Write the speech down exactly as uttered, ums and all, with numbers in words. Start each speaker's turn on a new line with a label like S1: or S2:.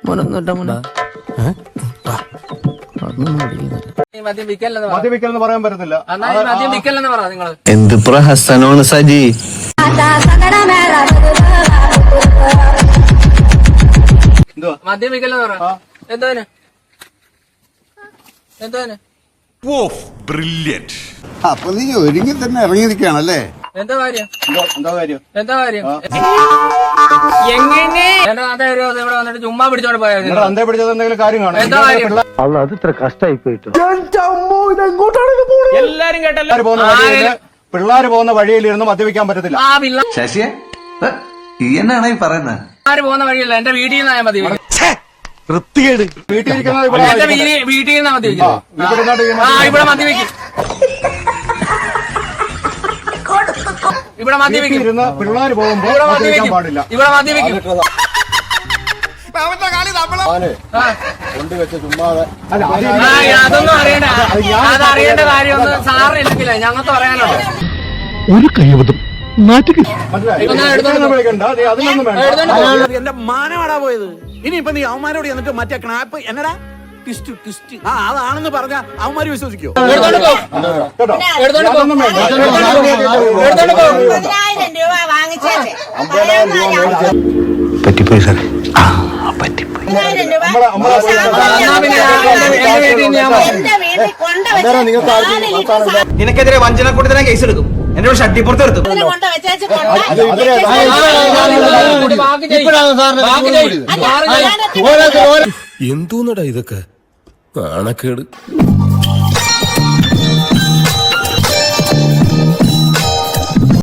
S1: മദ്യപിക്കലെന്ന് പറയാൻ പറ്റത്തില്ല.
S2: എന്ത് പ്രഹസനമാണ് സജി.
S3: മദ്യപിക്കലെന്ന് പറ എന്തോന് എന്തോന്
S4: അപ്പൊ നീ ഒരുങ്ങി തന്നെ ഇറങ്ങിയിരിക്കുകയാണല്ലേ?
S3: എന്താ കാര്യം?
S1: എന്താ കാര്യം?
S3: എന്താ കാര്യം? എങ്ങനെ ഇവിടെ വന്നിട്ട് ചുമ്മാ പിടിച്ചോണ്ട് പോയത്?
S1: അന്തേ പിടിച്ചത് എന്തെങ്കിലും കാര്യം കാണും.
S3: എന്താ കാര്യം?
S2: അത് ഇത്ര കഷ്ടായി പോയിട്ട്
S3: എല്ലാരും കേട്ടല്ലോ.
S1: പിള്ളേര് പോകുന്ന വഴിയിലിരുന്ന് മദ്യപിക്കാൻ പറ്റത്തില്ല.
S2: ശശിയെ എന്നാണ് ഈ പറയുന്നത്?
S3: പിള്ളേര് പോകുന്ന വഴിയല്ല, എന്റെ വീട്ടിൽ നിന്നായ മതി.
S1: വൃത്തികേട്. വീട്ടിൽ
S3: എന്റെ വീട്ടിൽ നിന്നാ മദ്യപിക്കും. ഇവിടെ മദ്യപിക്കും. ഇവിടെ മദ്യപിക്കും.
S1: പിള്ളേര് പോകുമ്പോ മദ്യപിക്കാൻ പാടില്ല.
S3: ഇവിടെ മദ്യപിക്കും.
S1: കൊണ്ടുവെച്ച ചുമ്മാതെ
S3: അതൊന്നും അറിയണ്ട. അതറിയേണ്ട കാര്യമൊന്നും സാറിനില്ലെങ്കിലേ ഞങ്ങൾക്ക് പറയാനുണ്ട്.
S5: ഒരു കൈവതം
S6: എന്റെ മാനമാടാ പോയത്. ഇനിയിപ്പൊ നീ അവന്മാരോട് എന്നിട്ട് മറ്റേ ക്നാപ്പ് എന്നടാ ട്വിസ്റ്റ് ട്വിസ്റ്റ് ആ അതാണെന്ന് പറഞ്ഞ അവന്മാര് വിശ്വസിക്കോ?
S2: പറ്റിപ്പോയി സാറേ, പറ്റിപ്പോയി.
S6: നിനക്കെതിരെ വഞ്ചന കൊടുത്തന കേസ് എടുക്കും. എന്റെ ഷട്ടിപ്പുറത്ത് എടുത്തു.
S5: എന്തോന്നടാ ഇതൊക്കെ? നാണക്കേട്.